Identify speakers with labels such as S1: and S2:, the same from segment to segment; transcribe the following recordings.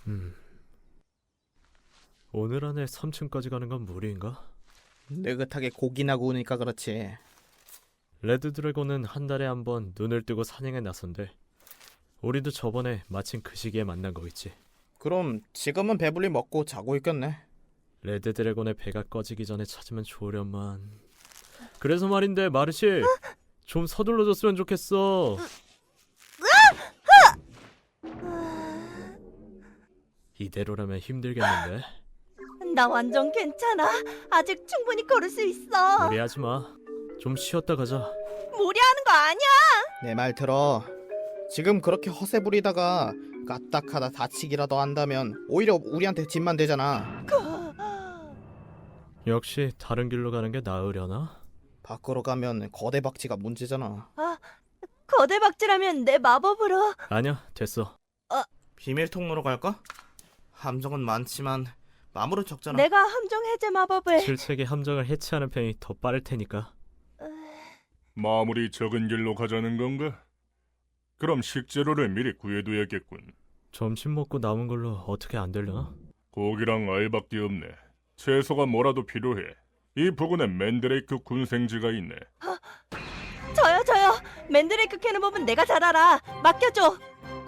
S1: 오늘 안에 3층까지 가는 건 무리인가?
S2: 느긋하게 고기나 구우니까 그렇지.
S1: 레드 드래곤은 한 달에 한 번 눈을 뜨고 사냥에 나선대. 우리도 저번에 마침 그 시기에 만난 거 있지.
S2: 그럼 지금은 배불리 먹고 자고 있겠네.
S1: 레드 드래곤의 배가 꺼지기 전에 찾으면 좋으련만. 그래서 말인데 마르시, 좀 서둘러줬으면 좋겠어. 이대로라면 힘들겠는데.
S3: 나 완전 괜찮아. 아직 충분히 걸을 수 있어.
S1: 무리하지 마. 좀 쉬었다 가자.
S3: 무리하는 거 아니야.
S2: 내 말 들어. 지금 그렇게 허세 부리다가 까딱하다 다치기라도 한다면 오히려 우리한테 짐만 되잖아.
S1: 역시 다른 길로 가는 게 나으려나?
S2: 밖으로 가면 거대 박쥐가 문제잖아.
S3: 거대 박쥐라면 내 마법으로.
S1: 아니야, 됐어.
S2: 비밀 통로로 갈까? 함정은 많지만 마무리 적잖아.
S3: 내가 함정 해제 마법을.
S1: 실책의 함정을 해체하는 편이 더 빠를 테니까.
S4: 마무리 적은 길로 가자는 건가? 그럼 식재료를 미리 구해둬야겠군.
S1: 점심 먹고 남은 걸로 어떻게 안 되려나?
S4: 고기랑 알밖에 없네. 채소가 뭐라도 필요해. 이 부근에 맨드레이크 군생지가 있네.
S3: 저요. 맨드레이크 캐는 법은 내가 잘 알아. 맡겨줘.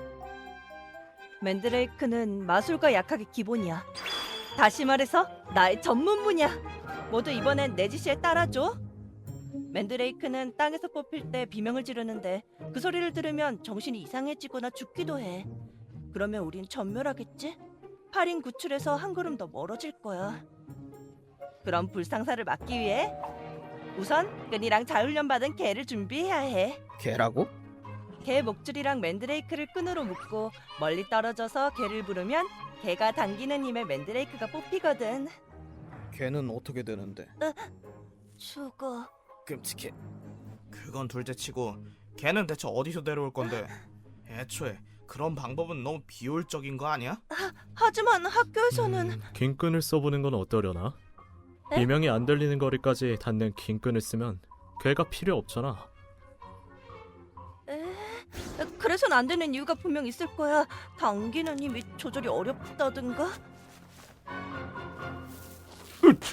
S3: 맨드레이크는 마술과 약학의 기본이야. 다시 말해서 나의 전문 분야. 모두 이번엔 내 지시에 따라줘. 맨드레이크는 땅에서 뽑힐 때 비명을 지르는데 그 소리를 들으면 정신이 이상해지거나 죽기도 해. 그러면 우린 전멸하겠지? 8인 구출에서 한 걸음 더 멀어질 거야. 그럼 불상사를 막기 위해 우선 끈이랑 자훈련받은 개를 준비해야 해.
S2: 개라고?
S3: 개 목줄이랑 맨드레이크를 끈으로 묶고 멀리 떨어져서 개를 부르면 개가 당기는 힘에 맨드레이크가 뽑히거든.
S2: 개는 어떻게 되는데?
S3: 죽어.
S2: 끔찍해. 그건 둘째치고 개는 대체 어디서 데려올 건데? 애초에 그런 방법은 너무 비효율적인 거 아니야?
S3: 하지만 학교에서는
S1: 긴 끈을 써보는 건 어떠려나?
S3: 에?
S1: 비명이 안 들리는 거리까지 닿는 긴 끈을 쓰면 괴가 필요 없잖아.
S3: 그래선 안 되는 이유가 분명 있을 거야. 당기는 힘이 조절이 어렵다든가.
S4: 으쌰.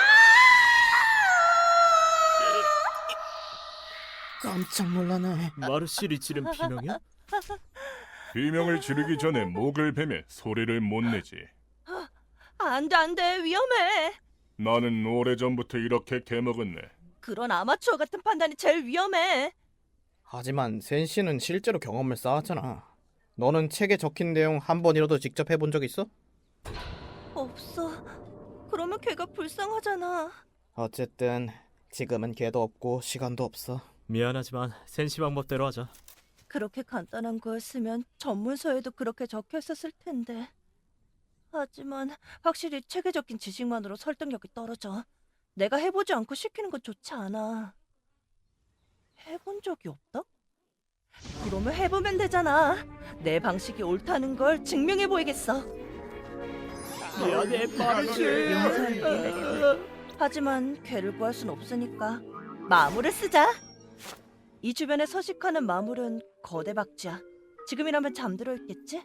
S2: 깜짝 놀라네.
S1: 마르실이 지른 비명이야?
S4: 비명을 지르기 전에 목을 베면 소리를 못 내지.
S3: 안 돼. 위험해.
S4: 나는 오래전부터 이렇게 개먹었네.
S3: 그런 아마추어 같은 판단이 제일 위험해.
S2: 하지만 센 씨는 실제로 경험을 쌓았잖아. 너는 책에 적힌 내용 한 번이라도 직접 해본 적 있어?
S3: 없어. 그러면 걔가 불쌍하잖아.
S2: 어쨌든 지금은 개도 없고 시간도 없어.
S1: 미안하지만 센시 방법대로 하자.
S3: 그렇게 간단한 거였으면 전문서에도 그렇게 적혀 있었을 텐데. 하지만 확실히 책에 적힌 지식만으로 설득력이 떨어져. 내가 해보지 않고 시키는 건 좋지 않아. 해본 적이 없다? 그러면 해보면 되잖아. 내 방식이 옳다는 걸 증명해 보이겠어.
S1: 미안해, 마르실.
S3: 용서할게. 하지만 걔를 구할 순 없으니까 마물을 쓰자. 이 주변에 서식하는 마물은 거대 박쥐야. 지금이라면 잠들어 있겠지?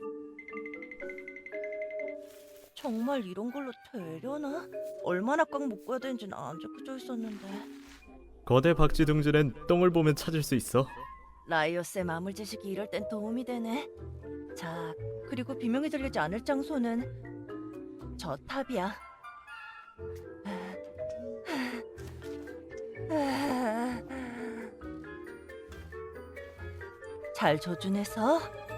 S3: 정말 이런 걸로 되려나? 얼마나 꽉 묶어야 되는지는 안 적혀져 있었는데.
S1: 거대 박쥐 둥지는 똥을 보면 찾을 수 있어.
S3: 라이오스의 마물 지식이 이럴 땐 도움이 되네. 자, 그리고 비명이 들리지 않을 장소는 저 탑이야. 잘 조준해서.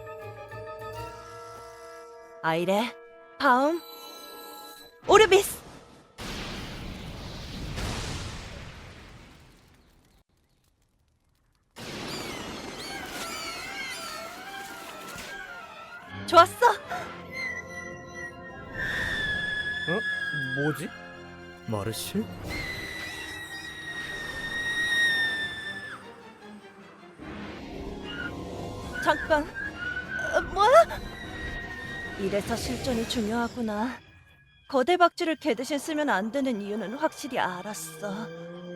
S3: 아이레, 다음 오르비스. 좋았어.
S2: 뭐지?
S1: 마르실?
S3: 잠깐. 뭐야? 이래서 실전이 중요하구나. 거대 박쥐를 개 대신 쓰면 안 되는 이유는 확실히 알았어.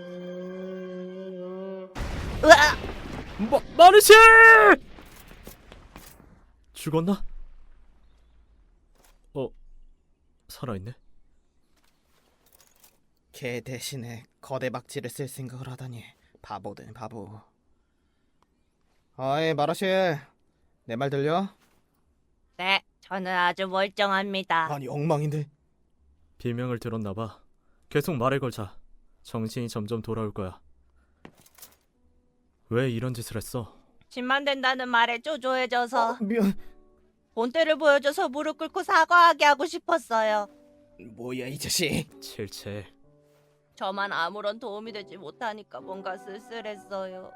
S3: 으아!
S1: 마르실! 죽었나? 살아있네.
S2: 개 대신에 거대 박쥐를 쓸 생각을 하다니 바보든 바보. 아이 마라씨, 내 말 들려?
S3: 네, 저는 아주 멀쩡합니다.
S2: 아니 엉망인데.
S1: 비명을 들었나봐. 계속 말을 걸자. 정신이 점점 돌아올 거야. 왜 이런 짓을 했어?
S3: 집만 된다는 말에 쪼조해져서
S2: 미안.
S3: 본때를 보여줘서 무릎 꿇고 사과하게 하고 싶었어요.
S2: 뭐야 이 자식.
S1: 칠칠.
S3: 저만 아무런 도움이 되지 못하니까 뭔가 쓸쓸했어요.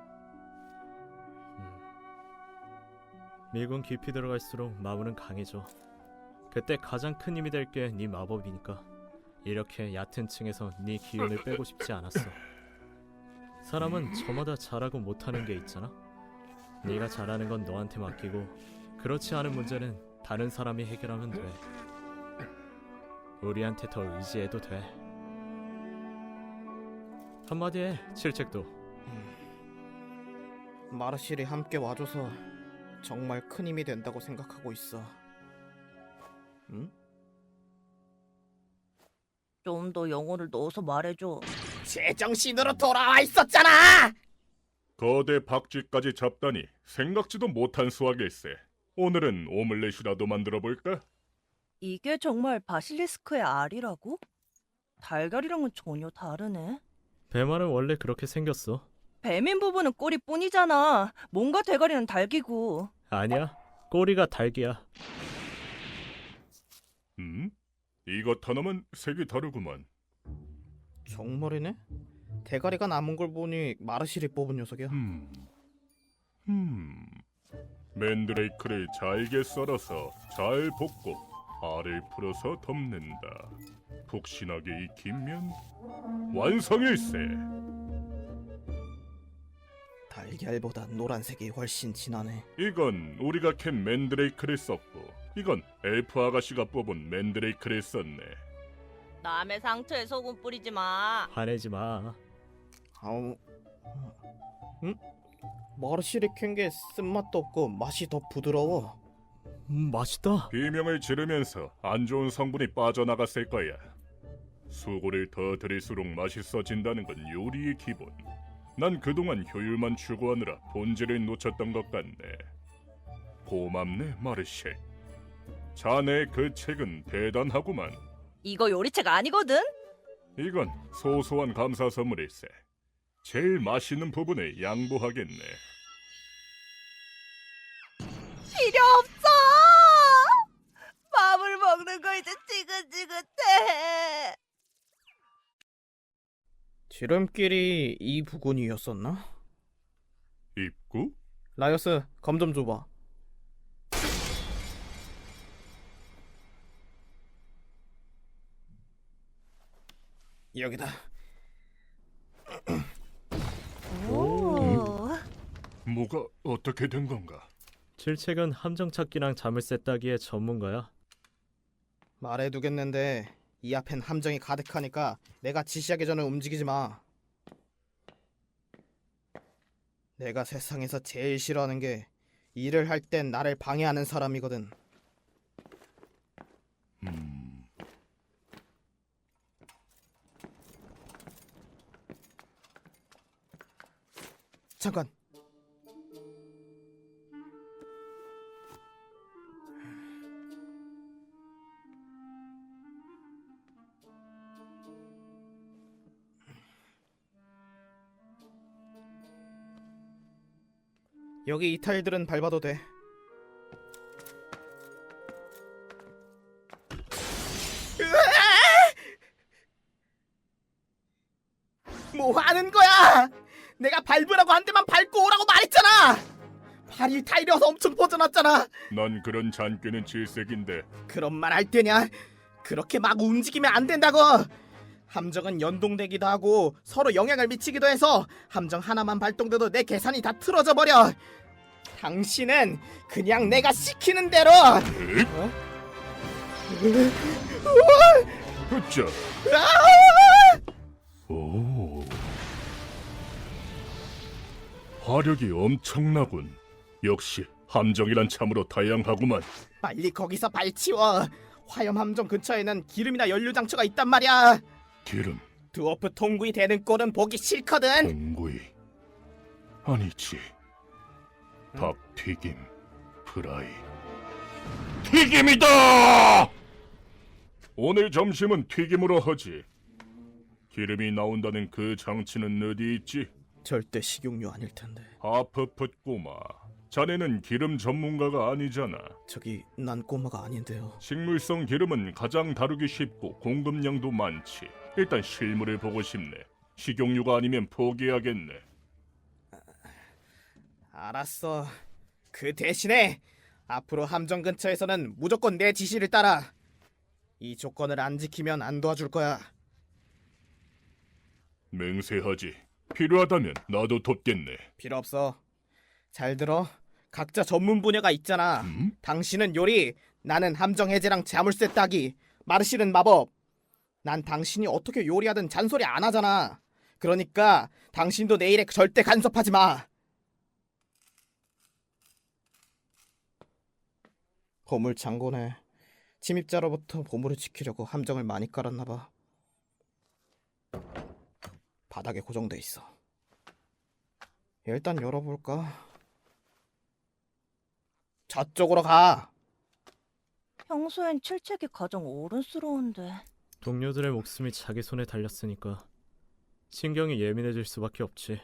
S1: 미군 깊이 들어갈수록 마무는 강해져. 그때 가장 큰 힘이 될 게 네 마법이니까. 이렇게 얕은 층에서 네 기운을 빼고 싶지 않았어. 사람은 저마다 잘하고 못하는 게 있잖아. 네가 잘하는 건 너한테 맡기고 그렇지 않은 문제는 다른 사람이 해결하면 돼. 우리한테 더 의지해도 돼. 한마디에 칠책도.
S2: 마르실이 함께 와줘서 정말 큰 힘이 된다고 생각하고 있어. 응?
S3: 좀 더 영혼을 넣어서 말해줘.
S2: 제정신으로 돌아와 있었잖아.
S4: 거대 박쥐까지 잡다니 생각지도 못한 수확일세. 오늘은 오믈렛이라도 만들어 볼까?
S3: 이게 정말 바실리스크의 알이라고? 달걀이랑은 전혀 다르네.
S1: 배말은 원래 그렇게 생겼어.
S3: 배민 부분은 꼬리뿐이잖아. 뭔가 대가리는 달기고.
S1: 아니야. 꼬리가 닭이야.
S4: 이것 하나만 색이 다르구만.
S2: 정말이네? 대가리가 남은 걸 보니 마르실이 뽑은 녀석이야.
S4: 맨드레이크를 잘게 썰어서 잘 볶고 알을 풀어서 덮는다. 푹신하게 익히면 완성일세.
S2: 달걀보다 노란색이 훨씬 진하네.
S4: 이건 우리가 캔 맨드레이크를 썼고 이건 엘프 아가씨가 뽑은 맨드레이크를 썼네.
S3: 남의 상처에 소금 뿌리지 마.
S1: 화내지 마.
S2: 아우, 응? 마르실이 캔 게 쓴맛도 없고 맛이 더 부드러워.
S1: 맛있다.
S4: 비명을 지르면서 안 좋은 성분이 빠져나갔을 거야. 수고를 더 들일수록 맛있어진다는 건 요리의 기본. 난 그동안 효율만 추구하느라 본질을 놓쳤던 것 같네. 고맙네, 마르쉐. 자네의 그 책은 대단하구만.
S3: 이거 요리책 아니거든?
S4: 이건 소소한 감사 선물일세. 제일 맛있는 부분을 양보하겠네.
S3: 필요 없어! 밥을 먹는 거 이제 지긋지긋해.
S2: 지름길이 이 부근이었었나?
S4: 입구?
S2: 라이어스, 검 좀 줘봐. 여기다.
S3: 오.
S4: 뭐가 어떻게 된 건가?
S1: 칠책은 함정 찾기랑 자물쇠 따기의 전문가야.
S2: 말해두겠는데 이 앞엔 함정이 가득하니까 내가 지시하기 전에 움직이지 마. 내가 세상에서 제일 싫어하는 게 일을 할 땐 나를 방해하는 사람이거든. 잠깐. 여기 이 타일들은 밟아도 돼. 뭐 하는 거야? 내가 밟으라고 한 대만 밟고 오라고 말했잖아. 발이 타일이어서 엄청 퍼져났잖아.
S4: 난 그런 잔꾀는 질색인데.
S2: 그런 말 할 때냐? 그렇게 막 움직이면 안 된다고. 함정은 연동되기도 하고 서로 영향을 미치기도 해서 함정 하나만 발동돼도 내 계산이 다 틀어져 버려. 당신은 그냥 내가 시키는 대로.
S4: 그쵸? 오, 화력이 엄청나군. 역시 함정이란 참으로 다양하구만.
S2: 빨리 거기서 발 치워. 화염 함정 근처에는 기름이나 연료 장치가 있단 말이야.
S4: 기름,
S2: 드워프 통구이 되는 꼴은 보기 싫거든.
S4: 공구이. 아니지. 밥 튀김, 프라이. 튀김이다! 오늘 점심은 튀김으로 하지. 기름이 나온다는 그 장치는 어디 있지?
S2: 절대 식용유 아닐 텐데.
S4: 하프풋 꼬마. 자네는 기름 전문가가 아니잖아.
S2: 저기 난 꼬마가 아닌데요.
S4: 식물성 기름은 가장 다루기 쉽고 공급량도 많지. 일단 실물을 보고 싶네. 식용유가 아니면 포기하겠네.
S2: 알았어. 그 대신에 앞으로 함정 근처에서는 무조건 내 지시를 따라. 이 조건을 안 지키면 안 도와줄 거야.
S4: 맹세하지. 필요하다면 나도 돕겠네.
S2: 필요 없어. 잘 들어. 각자 전문 분야가 있잖아. 당신은 요리, 나는 함정 해제랑 자물쇠 따기, 마르실은 마법. 난 당신이 어떻게 요리하든 잔소리 안 하잖아. 그러니까 당신도 내 일에 절대 간섭하지 마. 보물 창고네. 침입자로부터 보물을 지키려고 함정을 많이 깔았나 봐. 바닥에 고정돼 있어. 일단 열어볼까? 저쪽으로 가.
S3: 평소엔 출첵이 가장 어른스러운데.
S1: 동료들의 목숨이 자기 손에 달렸으니까 신경이 예민해질 수밖에 없지.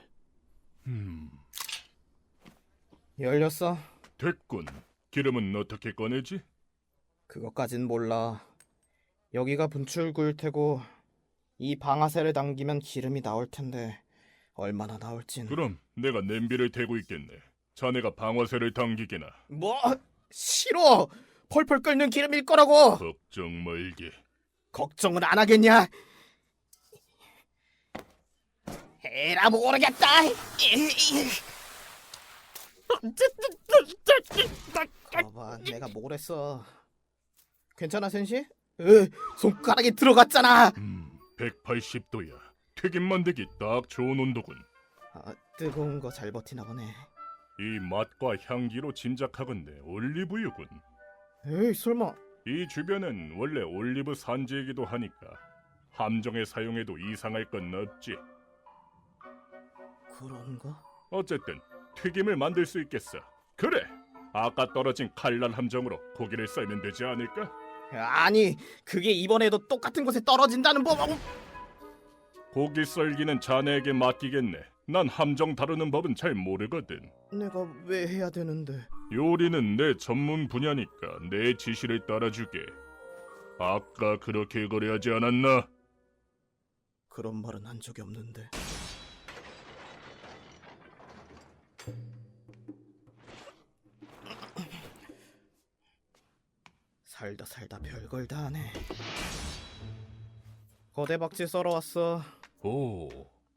S2: 열렸어.
S4: 됐군. 기름은 어떻게 꺼내지?
S2: 그것까진 몰라. 여기가 분출구일 테고 이 방아쇠를 당기면 기름이 나올 텐데 얼마나 나올진.
S4: 그럼 내가 냄비를 대고 있겠네. 자네가 방아쇠를 당기게나.
S2: 뭐? 싫어. 펄펄 끓는 기름일 거라고.
S4: 걱정 말게.
S2: 걱정을 안 하겠냐? 에라 모르겠다. 봐봐, 내가 뭘 했어. 괜찮아, 센시? 손가락이 들어갔잖아.
S4: 180도야. 튀김 만들기 딱 좋은 온도군.
S2: 아, 뜨거운 거 잘 버티나 보네.
S4: 이 맛과 향기로 짐작하건대 올리브유군.
S2: 에이, 설마.
S4: 이 주변은 원래 올리브 산지이기도 하니까 함정에 사용해도 이상할 건 없지.
S2: 그런가?
S4: 어쨌든 튀김을 만들 수 있겠어. 그래. 아까 떨어진 칼날 함정으로 고기를 썰면 되지 않을까?
S2: 아니, 그게 이번에도 똑같은 곳에 떨어진다는 법.
S4: 고기 썰기는 자네에게 맡기겠네. 난 함정 다루는 법은 잘 모르거든.
S2: 내가 왜 해야 되는데?
S4: 요리는 내 전문 분야니까 내 지시를 따라주게. 아까 그렇게 거래하지 않았나?
S2: 그런 말은 한 적이 없는데. 살다 살다 별걸 다 하네. 거대 박쥐 썰어 왔어.
S4: 오.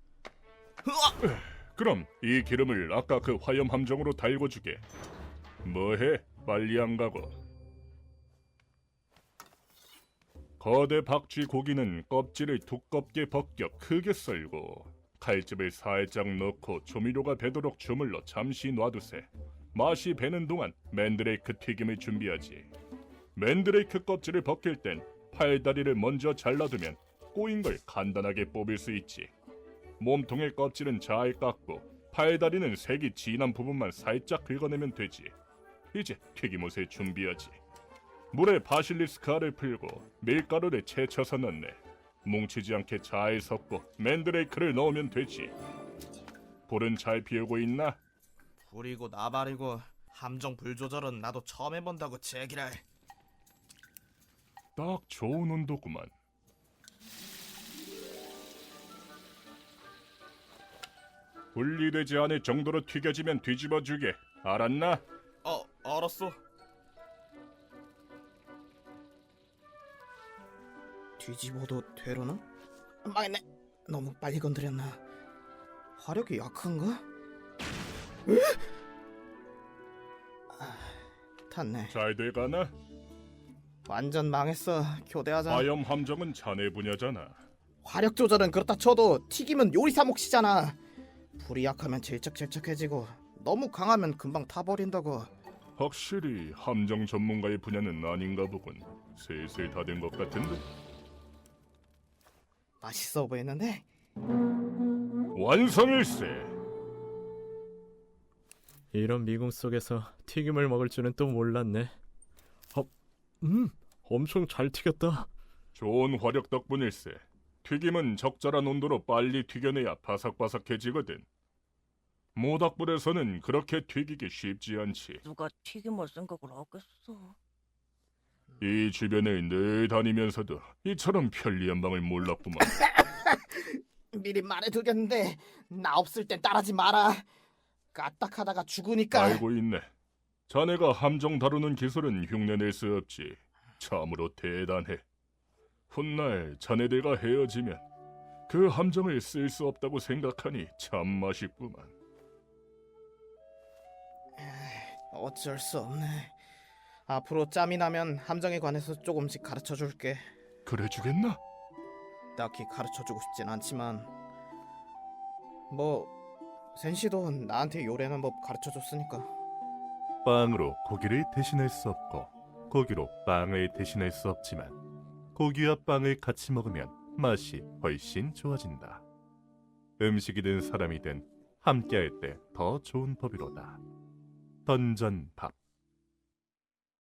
S4: 그럼 이 기름을 아까 그 화염 함정으로 달궈 주게. 뭐해? 빨리 안 가고. 거대 박쥐 고기는 껍질을 두껍게 벗겨 크게 썰고 칼집을 살짝 넣고 조미료가 배도록 주물러 잠시 놔두세. 맛이 배는 동안 맨드레이크 튀김을 준비하지. 맨드레이크 껍질을 벗길 땐 팔다리를 먼저 잘라두면 꼬인 걸 간단하게 뽑을 수 있지. 몸통의 껍질은 잘 깎고 팔다리는 색이 진한 부분만 살짝 긁어내면 되지. 이제 튀김옷을 준비하지. 물에 바실리스크알을 풀고 밀가루를 채쳐서 넣네. 뭉치지 않게 잘 섞고 맨드레이크를 넣으면 되지. 불은 잘 피우고 있나?
S2: 불이고 나발이고 함정 불 조절은 나도 처음 해본다고 제기랄.
S4: 딱 좋은 온도구만. 분리되지 않을 정도로 튀겨지면 뒤집어주게. 알았나?
S2: 알았어. 뒤집어도 되려나? 망했네. 너무 빨리 건드렸나? 화력이 약한가? 탔네.
S4: 잘 돼가나?
S2: 완전 망했어. 교대하자.
S4: 화염 함정은 자네 분야잖아.
S2: 화력 조절은 그렇다 쳐도 튀김은 요리사 몫이잖아. 불이 약하면 질척질척해지고 너무 강하면 금방 타버린다고.
S4: 확실히 함정 전문가의 분야는 아닌가 보군. 슬슬 다 된 것 같은데.
S2: 맛있어 보이는데?
S4: 완성일세.
S1: 이런 미궁 속에서 튀김을 먹을 줄은 또 몰랐네. 엄청 잘 튀겼다.
S4: 좋은 화력 덕분일세. 튀김은 적절한 온도로 빨리 튀겨내야 바삭바삭해지거든. 모닥불에서는 그렇게 튀기기 쉽지 않지.
S3: 누가 튀김을 생각을 하겠어.
S4: 이 주변을 늘 다니면서도 이처럼 편리한 방을 몰랐구만.
S2: 미리 말해두겠는데 나 없을 땐 따라지 마라. 까딱하다가 죽으니까.
S4: 알고 있네. 자네가 함정 다루는 기술은 흉내낼 수 없지. 참으로 대단해. 훗날 자네들과 헤어지면 그 함정을 쓸 수 없다고 생각하니 참 맛있구만.
S2: 어쩔 수 없네. 앞으로 짬이 나면 함정에 관해서 조금씩 가르쳐줄게.
S4: 그래 주겠나?
S2: 딱히 가르쳐주고 싶진 않지만 뭐 센시도 나한테 요리하는 법 가르쳐줬으니까.
S5: 빵으로 고기를 대신할 수 없고 고기로 빵을 대신할 수 없지만 고기와 빵을 같이 먹으면 맛이 훨씬 좋아진다. 음식이든 사람이든 함께할 때 더 좋은 법이로다. 던전밥.